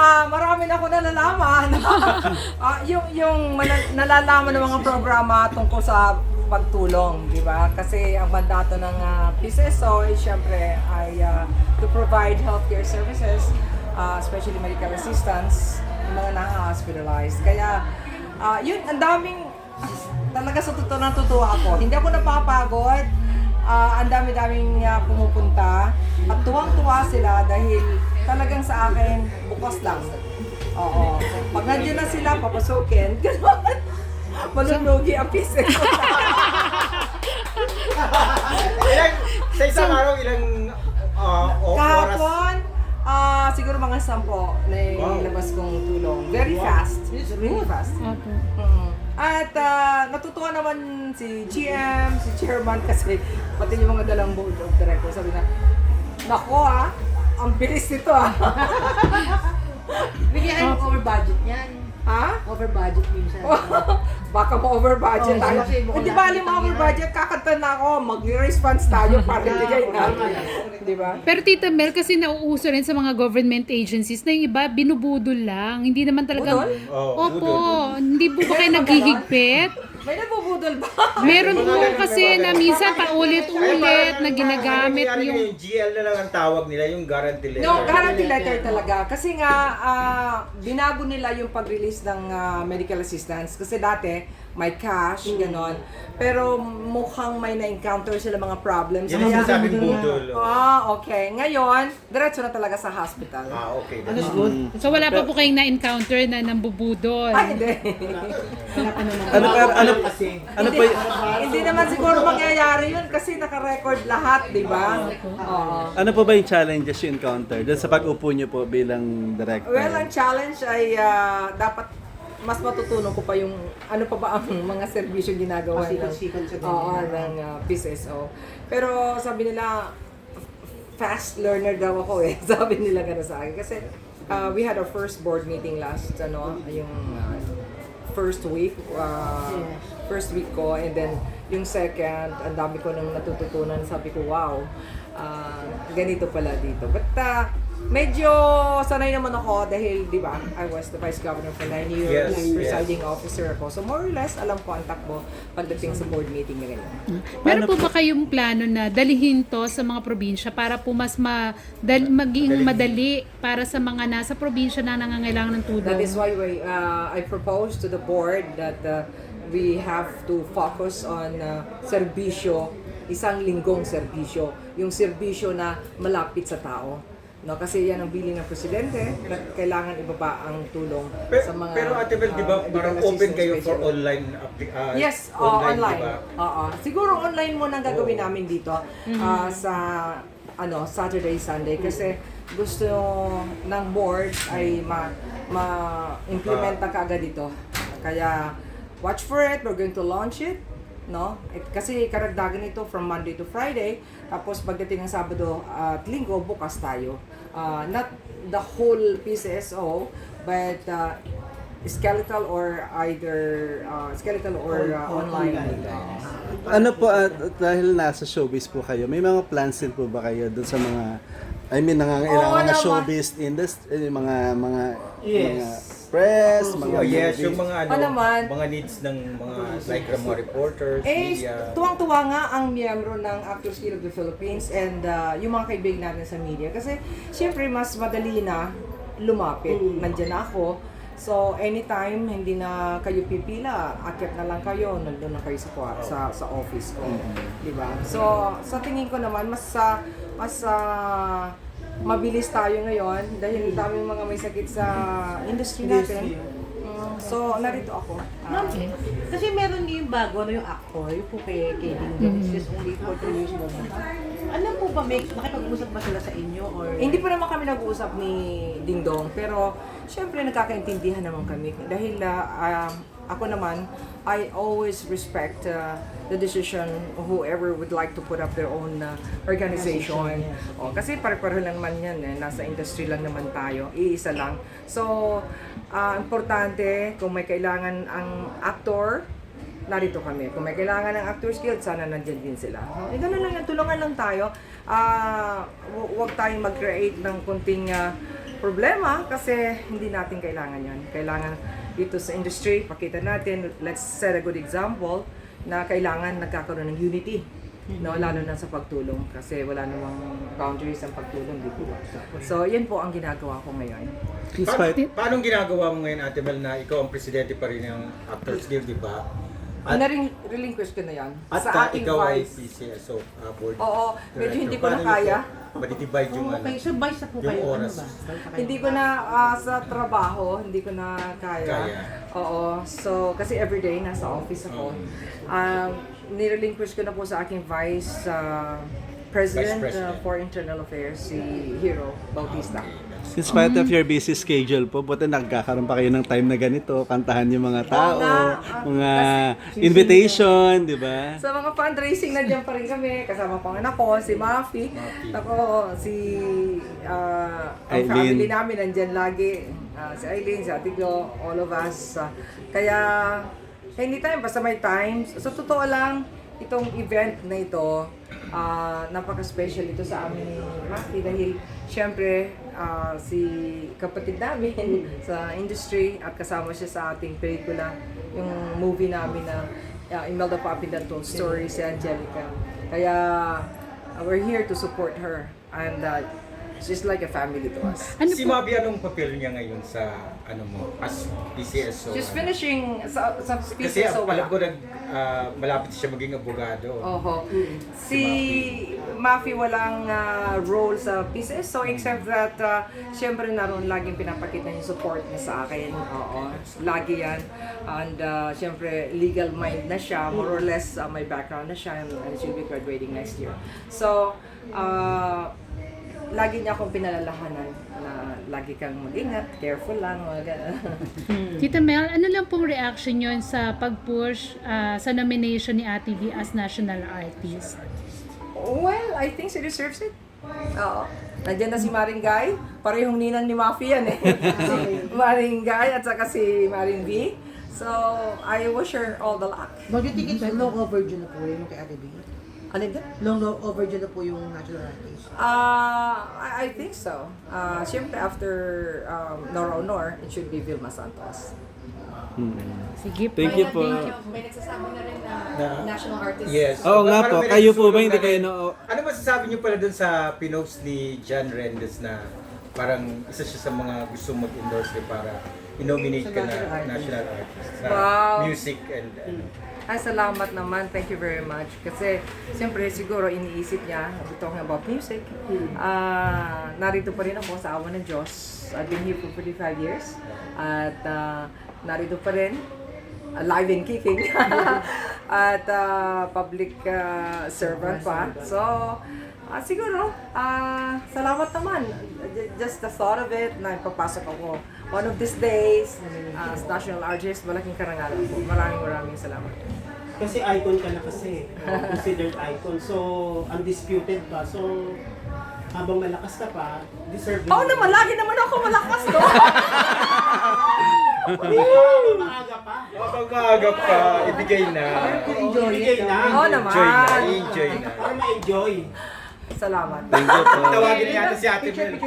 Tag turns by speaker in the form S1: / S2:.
S1: Marami na ako nalalaman. Nalalaman ng mga programa tungkol sa pagtulong, di ba? Kasi ang mandato ng PCSO ay syempre ay to provide healthcare services, especially medical assistance, yung mga na-hospitalized. Kaya, yun, ang daming, talaga sa totoo natutuwa ako. Hindi ako napapagod. Ang dami-daming pumupunta at tuwang-tuwa sila dahil talagang sa akin bukas lang. Oo. Pag nandiyan na sila, papasukin. Gano'n. Malulugi ang piso.
S2: Sa isang araw, ilang oras?
S1: Kahapon, siguro mga 10 na ilabas kong tulong. Very fast. Really fast. At natutuwa naman si GM, si Chairman kasi pati yung mga dalang board of directors. Sabi na, nako ang bilis nito
S3: Bigyan over budget yan.
S1: Ha?
S3: Over budget minsan.
S1: Baka ma-over budget tayo.
S3: kasi mukhang
S1: Hindi bali
S3: nakita
S1: ma-over
S3: nila.
S1: budget, kakanta na ako, mag-response tayo para ibigay natin. Di ba?
S4: Pero Tita Mel, kasi nauuso rin sa mga government agencies na yung iba binubudol lang. Hindi naman talagang...
S1: Budol?
S4: Opo. Hindi po ba kayo naghihigpit?
S1: May nabubudol ba?
S4: Meron po
S2: ganun,
S4: kasi
S2: mga
S4: na
S2: ganun.
S4: minsan paulit-ulit na ginagamit
S2: yung
S4: yung...
S2: GL na lang ang tawag nila, yung guarantee letter.
S1: No, guarantee letter talaga. Kasi nga, binago nila yung pag-release ng medical assistance. Kasi dati, may cash, ganon. Pero mukhang may na-encounter sila mga problems.
S2: Yan ang sinasabing budol.
S1: Okay. Ngayon, diretso na talaga sa hospital.
S2: Okay.
S3: Ano good?
S4: So wala pa po kayong na-encounter na nambubudol.
S1: Ay, hindi.
S5: Ano po y-
S1: Hindi naman siguro mangyayari yun kasi naka-record lahat, di ba? Oo.
S5: ano po ba yung challenges you encounter doon sa pag-upo niyo po bilang director?
S1: Well, ang challenge ay dapat mas matutunan ko pa yung ano pa ba ang mga serbisyo ginagawa
S3: Pasikat-sikat sa ganyan.
S1: ng PCSO. Pero sabi nila, fast learner daw ako eh. Sabi nila gano'n sa akin. Kasi we had our first board meeting last, yung first week. First week ko, and then yung second, ang dami ko nang natututunan. Sabi ko, wow, ganito pala dito. But medyo sanay naman ako dahil, di ba, I was the Vice Governor for 9 years,
S2: Yes,
S1: presiding officer ako. So more or less, alam ko ang takbo pagdating sa board meeting na ganyan.
S4: Meron po ba kayong plano na dalihin to sa mga probinsya para po mas maging madali para sa mga nasa probinsya na nangangailangan ng tulong?
S1: That is why I proposed to the board that we have to focus on serbisyo, isang linggong serbisyo, yung serbisyo na malapit sa tao. No, kasi yan ang bilin ng presidente na kailangan ibaba ang tulong sa mga
S2: Pero Ate Bel, di ba parang
S1: medical
S2: open kayo
S1: assistance
S2: for
S1: specialist.
S2: online
S1: Yes,
S2: online,
S1: online.
S2: di ba?
S1: Oo. Siguro online muna ang gagawin namin dito sa Saturday, Sunday kasi gusto ng board ay ma-implement na kaagad dito. Kaya watch for it, we're going to launch it. No? Kasi karagdagan ito from Monday to Friday, tapos pagdating ng Sabado at Linggo, bukas tayo. Not the whole PCSO, but skeletal or online.
S5: Ano po, dahil nasa showbiz po kayo, may mga plans din po ba kayo doon sa mga, nangangailangan
S1: Oo
S5: na
S1: naman.
S5: showbiz industry, mga press, mga
S2: Yes,
S5: movies?
S2: yung mga
S1: naman.
S2: mga needs ng mga like mga reporters, media.
S1: Tuwang-tuwa nga ang miyembro ng Actors Guild of the Philippines and yung mga kaibigan natin sa media. Kasi, siyempre, mas madali na lumapit. Nandiyan na ako. So, anytime, hindi na kayo pipila, akyat na lang kayo, nandun na kayo sa office ko. Diba? So, sa tingin ko naman, mas mabilis tayo ngayon dahil daming mga may sakit sa industry natin. So, narito ako.
S3: Ma'am, kasi meron yung bago, yung actor, yung po kay Dingdong, just only for 2 years mo. Ano po ba, nakipag-usap ba sila sa inyo? Or
S1: Hindi pa naman kami nag-uusap ni Dingdong, pero syempre nagkakaintindihan naman kami. Dahil ako naman, I always respect the decision of whoever would like to put up their own organization. Kasi pare-pareho lang naman yan, nasa industry lang naman tayo, iisa lang. So, importante, kung may kailangan ang actor, narito kami. Kung may kailangan ng Actors Guild, sana nandyan din sila. Ganun lang yan, tulungan lang tayo. Huwag tayong mag-create ng kunting problema kasi hindi natin kailangan yon. Kailangan dito sa industry, pakita natin, let's set a good example na kailangan nagkakaroon ng unity. No, lalo na sa pagtulong kasi wala namang boundaries ang pagtulong, di ba? So, yan po ang ginagawa ko ngayon.
S2: Paano ginagawa mo ngayon, Ate Mel, na ikaw ang presidente pa rin ng Actors Guild, di ba?
S1: Relinquish ko na yan.
S2: At
S1: Sa ating
S2: ikaw ay
S1: vice.
S2: PCSO board.
S1: Oo, medyo hindi ko na
S2: Paano
S1: kaya.
S2: niyo po madidivide yung
S3: Okay, so vice na po
S2: yung
S3: kayo. Ano
S2: oras.
S3: ba? Vice na kayo.
S1: Hindi ko na sa trabaho, hindi ko na kaya.
S2: Kaya.
S1: Oo. So, kasi everyday nasa office ako. Nirelinquish ko na po sa aking Vice President,
S2: Vice President.
S1: for Internal Affairs, si Hero Bautista.
S5: In spite of your busy schedule po, buti nagkakaroon pa kayo ng time na ganito, kantahan yung mga tao,
S1: nga.
S5: mga invitation, di ba?
S1: Sa mga fundraising, nandiyan pa rin kami. Kasama pa ang anak ko, si Mafi. Ako, si ang
S5: Aileen.
S1: family namin nandiyan lagi. Si Aileen, si Ate Glo, all of us. Kaya, anytime, basta may time. Sa totoo lang, itong event na ito, napaka-special ito sa amin ni Mafi dahil syempre, si kapatid namin sa industry at kasama siya sa ating pelikula, yung movie namin na Imelda Papindan Told Story, si Angelica. Kaya we're here to support her and she's like a family to us.
S2: Si Mabi, anong papel niya ngayon sa as PCSO?
S1: She's finishing sa
S2: Kasi
S1: PCSO.
S2: alam ko malapit siya maging abogado.
S1: Oho. Si Mafi walang role sa PCSO except that syempre naroon laging pinapakita yung support niya sa akin. Oo. Lagi yan. And syempre legal mind na siya. More or less may background na siya and she'll be graduating next year. So, lagi niya akong pinalalahanan na lagi kang mag-ingat, careful lang, mga gano'n.
S4: Tita Mel, ano lang pong reaction yon sa pag-push sa nomination ni Ate V as National Artist?
S1: Well, I think she deserves it. Oo. Nandiyan na si Maring Guy. Parehong ninang ni Mafi yan eh. Si Maring Guy at saka si Maring V. So, I wish her all the luck.
S3: But you think it's long overdue na po yung kay Ate B?
S1: Ano yun?
S3: Long overdue na po yung national artist.
S1: I think so. Siyempre, after Nora Honor, it should be Vilma Santos.
S4: Sige po.
S5: Thank you po.
S6: May nagsasabi na rin na national artist.
S2: Yes.
S5: Oo nga
S2: Parang
S5: po,
S2: may
S5: kayo po ba
S2: nagsusulong
S5: hindi
S2: na
S5: kayo
S2: rin.
S5: na...
S2: Ano masasabi niyo pala dun sa pinost ni John Rendes na parang isa siya sa mga gusto mag-endorse para i-nominate ka na national artist sa
S1: Wow.
S2: music and
S1: Ay, salamat naman. Thank you very much. Kasi, siyempre, siguro iniisip niya, we're talking about music. Narito pa rin ako sa awa ng Diyos. I've been here for 45 years. At narito pa rin, alive and kicking. At public servant pa. So, siguro, salamat naman. Just the thought of it, na ipapasok ako one of these days as national artist, malaking karangalan po. Maraming salamat.
S7: Kasi icon ka na kasi. Considered icon. So, undisputed pa. So, habang malakas ka pa, deserve
S1: Oo naman, lagi naman ako malakas, no?
S7: Habang maaga pa.
S2: Kapag maaga pa, ibigay na.
S7: Ibigay na.
S1: Oo naman.
S2: Enjoy na.
S7: Para ma-enjoy.
S1: Salamat.
S5: Thank you po.
S2: Tawagin niya si Ate Mel.